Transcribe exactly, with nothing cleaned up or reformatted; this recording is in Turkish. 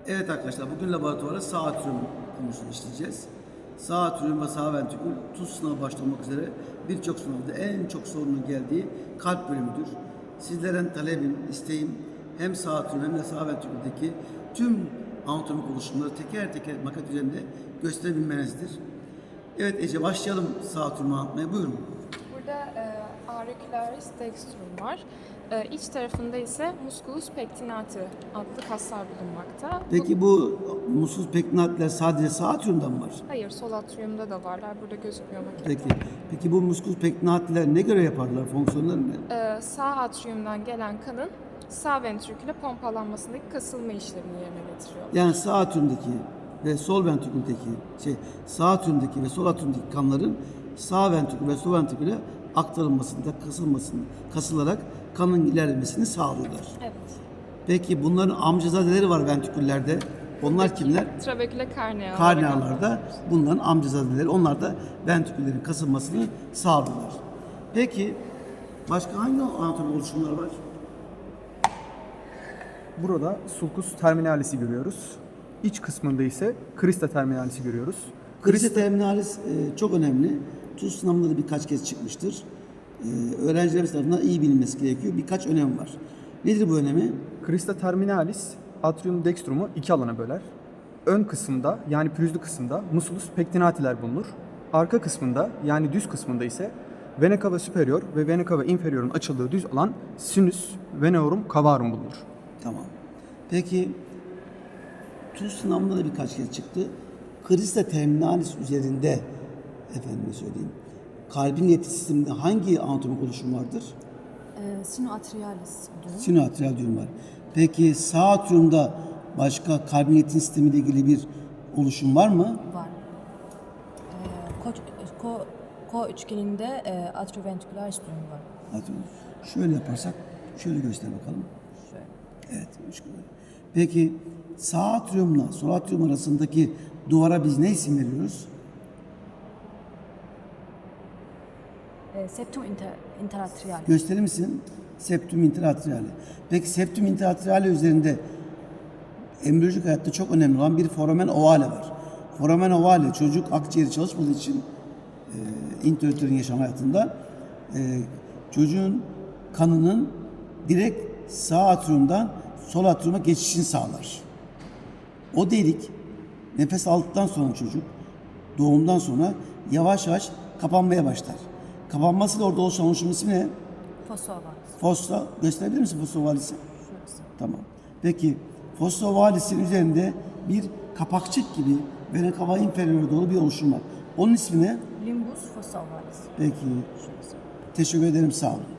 Evet arkadaşlar, bugün laboratuvarda sağ atrium konusunu işleyeceğiz. Sağ atrium ve sağ ventrikül tuz sınavı başta olmak üzere birçok sınavda en çok sorunun geldiği kalp bölümüdür. Sizlerden talebim, isteğim hem sağ atrium hem de sağ ventriküldeki tüm anatomik oluşumları teker teker maket üzerinde gösterebilmenizdir. Evet Ece, başlayalım sağ atriumu anlatmaya. Buyurun. Burada e, auricularis dextrum var. E, iç tarafında ise musculus pectinati adlı kaslar bulunmakta. Peki bu muslus pectinatiler sadece sağ atriumda mı var? Hayır, sol atriumda da varlar. Burada gözükmüyor makette. Peki. Peki bu musculus pectinatiler ne göre yaparlar? Fonksiyonları ne? E, sağ atriumdan gelen kanın sağ ventriküle pompalanmasındaki kasılma işlemini yerine getiriyor. Yani sağ atriumdaki ve sol ventriküldeki şey sağ atriumdaki ve sol atriumdaki kanların sağ ventrikül ve sol ventriküle aktarılmasında, kasılmasında, kasılarak kanın ilerlemesini sağlıyorlar. Evet. Peki bunların amcazadeleri var ventriküllerde. Onlar kimler? Trabeküle karnea. Karnealarda bunların amcazadeleri. Onlar da ventriküllerin kasılmasını sağlıyorlar. Peki başka hangi anatomik oluşumlar var? Burada sulcus terminalis'i görüyoruz. İç kısmında ise crista terminalis'i görüyoruz. Crista terminalis e, çok önemli. TUS sınavında da birkaç kez çıkmıştır. E, öğrencilerimiz tarafından iyi bilinmesi gerekiyor. Birkaç önem var. Nedir bu önemi? Crista terminalis atrium dextrum'u iki alana böler. Ön kısımda yani pürüzlü kısımda musculus pectinatiler bulunur. Arka kısmında yani düz kısmında ise vena cava superior ve vena cava inferior'un açıldığı düz alan sinus veneorum cavarum bulunur. Tamam. Peki TUS sınavında da birkaç kez çıktı. Crista terminalis üzerinde efendime söyleyeyim. Kalbin iletim sisteminde hangi anatomik oluşum vardır? Ee, Sinoatrialis diyorum. Sinoatrial düğüm var. Peki sağ atriumda başka kalbin iletim sistemiyle ilgili bir oluşum var mı? Var. Ee, ko, ko, ko üçgeninde e, atrioventricularis durum var. Atrium. Şöyle yaparsak, şöyle göster bakalım. Şöyle. Evet. üçgen. Peki sağ atriumla sol atrium arasındaki duvara biz ne isim veriyoruz? Ee, septum inter, interatrial. Gösterir misin? Septum interatriale. Peki septum interatriale üzerinde embriyolojik hayatta çok önemli olan bir foramen ovale var. Foramen ovale çocuk akciğeri çalışmadığı için e, internatörün yaşam hayatında e, çocuğun kanının direkt sağ atriumdan sol atriuma geçişini sağlar. O delik nefes aldıktan sonra çocuk doğumdan sonra yavaş yavaş kapanmaya başlar. Kapanmasıyla orada oluşan oluşumun ismi ne? Fossa ovalis. Fossa, gösterebilir misin fossa ovalisi? Şurası. Tamam. Peki fossa ovalisinin üzerinde bir kapakçık gibi vena cava inferior'a doğru bir oluşum var. Onun ismi ne? Limbus fossa ovalis. Peki. Şurası. Teşekkür ederim, sağ olun.